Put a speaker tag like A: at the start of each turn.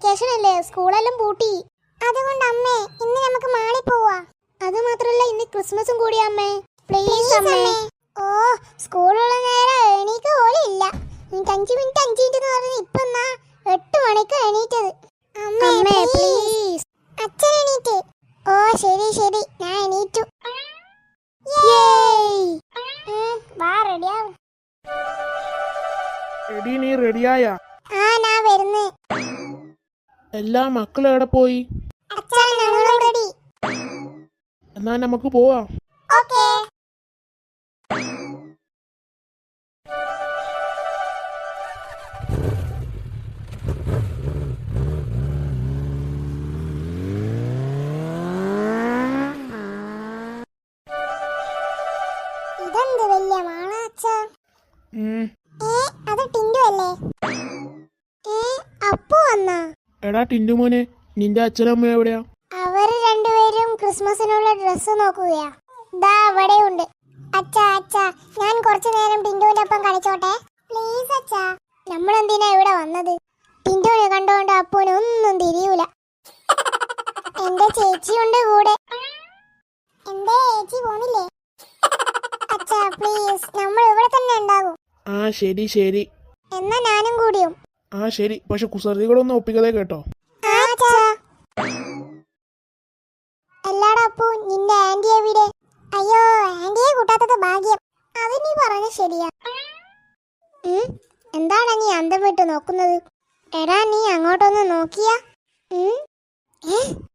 A: Vacation അല്ലേ, സ്കൂളെല്ലാം പൂട്ടി. അതുകൊണ്ട് അമ്മേ ഇന്ന് നമുക്ക് മാളിൽ പോവാ. അത് മാത്രല്ല ഇന്ന് ക്രിസ്മസും കൂടിയാ അമ്മേ. പ്ലീസ് അമ്മേ. ഓ സ്കൂളുള്ള നേരം എണീക്ക് പോലും ഇല്ല. എനിക്ക് 5 മിനിറ്റ് എന്ന് പറഞ്ഞ് ഇപ്പൊ 8 മണിക്ക് എണീറ്റത്. അമ്മേ പ്ലീസ്. അച്ഛൻ എണീറ്റ്. ഓ ശരി ശരി ഞാൻ എണീറ്റു. വാ റെഡിയാവും.
B: എടി നീ റെഡിയായ?
A: ആ ഞാൻ വരുന്നു.
B: എല്ലാ മക്കളും എവിടെ പോയി?
A: അച്ഛൻ ഞങ്ങൾ റെഡി.
B: എന്നാ നമുക്ക് പോവാം.
A: ഓക്കേ. ഇതെന്ത് വലിയ മാളാ അച്ഛാ? അത് ടിൻഡു അല്ലേ? അപ്പു വന്നാ?
B: എടാ ടിൻഡു മോനെ, നിന്റെ അച്ഛനമ്മ എവിടെയാ?
A: അവര് രണ്ടുപേരും ക്രിസ്മസിനുള്ള ഡ്രസ്സ് നോക്കുകയാ. ദാ അവിടെയുണ്ട്. അച്ഛാ അച്ഛാ ഞാൻ കുറച്ചു നേരം ടിൻഡുവിന്റെ ഒപ്പം കളിച്ചോട്ടെ പ്ലീസ് അച്ഛാ. നമ്മളെന്തിനാ ഇവിടെ വന്നത്? ടിൻഡുവിനെ കണ്ടുകൊണ്ട് അപ്പുവിന് ഒന്നും തിരിയൂല. എന്റെ ചേച്ചിയുണ്ട് കൂടെ. എന്റെ ചേച്ചി പോണില്ലേ? അച്ഛാ പ്ലീസ് നമ്മൾ ഇവിടെ തന്നെ ഉണ്ടാകും.
B: ആ ശരി ശരി.
A: എന്നാ ഞാനും കൂടിയും.
B: ആ ശരി, പക്ഷെ കുസൃതികളൊന്നും ഒപ്പിക്കതേ കേട്ടോ.
A: എല്ലാടാ അപ്പു നിന്റെ ആന്റി എവിടെ? അയ്യോ ആന്റിയെ കൂട്ടാത്തത് ഭാഗ്യം. അത് നീ പറഞ്ഞ ശരിയാ. എന്താണ് നീ അന്തം വിട്ട് നോക്കുന്നത്? എടാ നീ അങ്ങോട്ടൊന്ന് നോക്കിയാ?